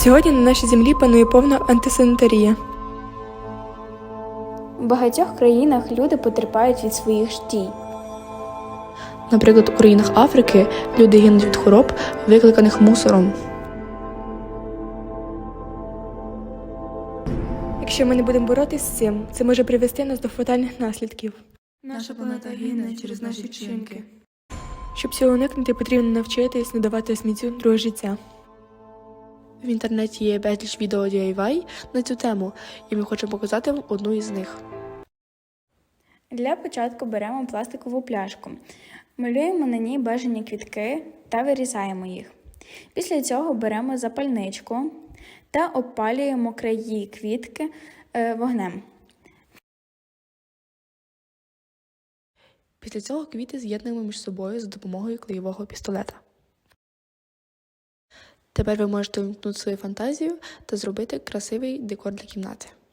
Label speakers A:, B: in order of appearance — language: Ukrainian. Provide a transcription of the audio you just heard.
A: Сьогодні на нашій землі панує повна антисанітарія.
B: У багатьох країнах люди потерпають від своїх ж дій.
C: Наприклад, у країнах Африки люди гинуть від хвороб, викликаних мусором.
A: Якщо ми не будемо боротися з цим, це може привести нас до фатальних наслідків.
C: Наша планета гине через наші вчинки.
A: Щоб цього уникнути, потрібно навчитись не давати сміттю друге життя.
C: В інтернеті є безліч відео DIY на цю тему, і ми хочемо показати вам одну із них.
B: Для початку беремо пластикову пляшку, малюємо на ній бажані квітки та вирізаємо їх. Після цього беремо запальничку та обпалюємо краї квітки вогнем.
C: Після цього квіти з'єднуємо між собою за допомогою клеєвого пістолета. Тепер ви можете вимкнути свою фантазію та зробити красивий декор для кімнати.